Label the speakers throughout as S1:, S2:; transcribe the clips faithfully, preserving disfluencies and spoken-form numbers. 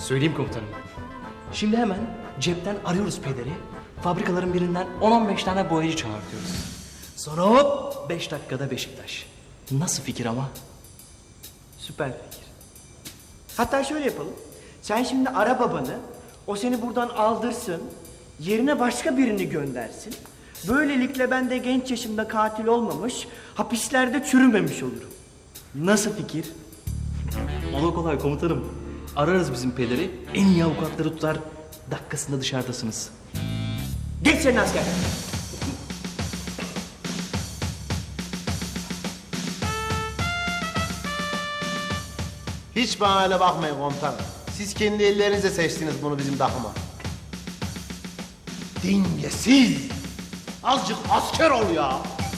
S1: Söyleyeyim komutanım. Şimdi hemen cepten arıyoruz pederi. Fabrikaların birinden on on beş tane boyacı çağırtıyoruz. Sonra hop beş dakikada Beşiktaş. Nasıl fikir ama?
S2: Süper fikir. Hatta şöyle yapalım. Sen şimdi ara babanı, o seni buradan aldırsın, yerine başka birini göndersin. Böylelikle ben de genç yaşımda katil olmamış, hapislerde çürümemiş olurum. Nasıl fikir?
S1: Ola kolay komutanım. Ararız bizim pederi, en iyi avukatları tutar, dakikasında dışarıdasınız.
S2: Geç senin asker.
S3: Hiç bana öyle bakmayın komutanım. Siz kendi ellerinizle seçtiniz bunu bizim takıma. Dingesiz! Azıcık asker ol ya!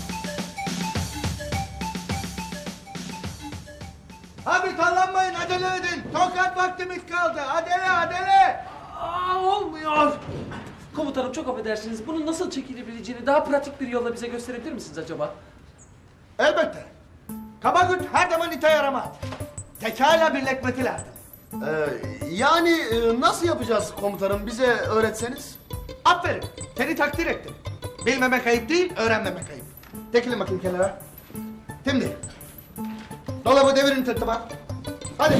S4: Abi tallanmayın, acele edin. Tokat vaktimiz kaldı. Adele, adele.
S5: Aa, olmuyor. Komutanım çok affedersiniz. Bunun nasıl çekilebileceğini daha pratik bir yolla bize gösterebilir misiniz acaba?
S4: Elbette. Kaba güç her zaman ite yaramaz. Zekayla birleşmesi lazım.
S3: Ee, yani e, nasıl yapacağız komutanım? Bize öğretseniz.
S4: Aferin, seni takdir ettim. Bilmemek ayıp değil, öğrenmemek ayıp. Çekilin bakayım kenara. Şimdi, dolabı devirin tırtıma. Hadi.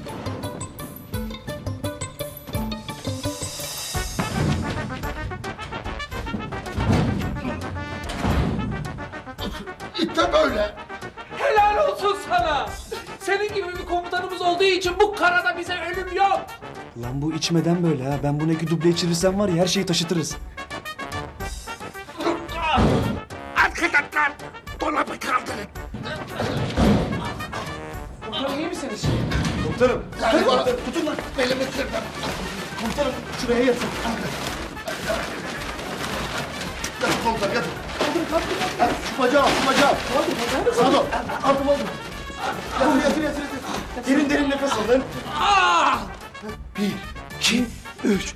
S4: İşte böyle.
S5: Helal olsun sana. Senin gibi bir komutanımız olduğu için bu karada bize ölüm yok.
S6: Lan bu içmeden böyle ha. Ben bunu iki duble içirirsem var ya her şeyi taşıtırız.
S4: Arkadaşlar, dolabı kaldırın.
S5: Komutanım iyi misiniz?
S3: Komutanım.
S4: Hadi bana tutun lan, belimi kırdım.
S3: Komutanım şuraya yatın. Yatın komutanım yatın. Hadi, şu bacağı şu bacağı. Sağ ol. Aldım aldım. Yatır yatır yatır. yatır. Derin derin nefes alın. Bir, iki, üç.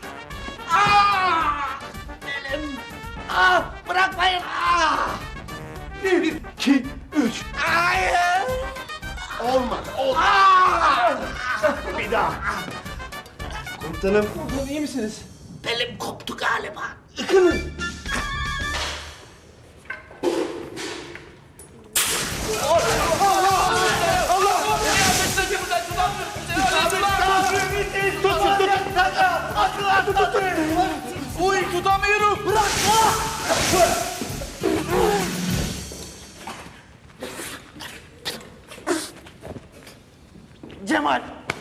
S4: Ah, bırakmayın. Ah.
S3: Bir, iki, üç.
S4: Hayır.
S3: Olmadı. Olmadı.
S4: Ah.
S3: Bir daha. Komutanım.
S5: Komutanım iyi misiniz?
S4: Belim koptu galiba.
S5: Uy tutamıyorum. Bırak.
S4: Cemal.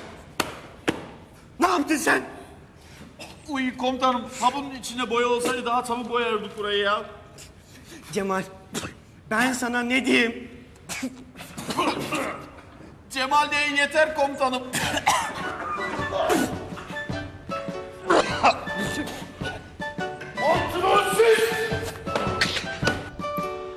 S4: Ne yaptın sen?
S7: Uy komutanım, sabunun içine boya olsaydı daha çabuk boyardık burayı ya.
S2: Cemal, ben sana ne diyeyim?
S7: Cemal deyin yeter komutanım.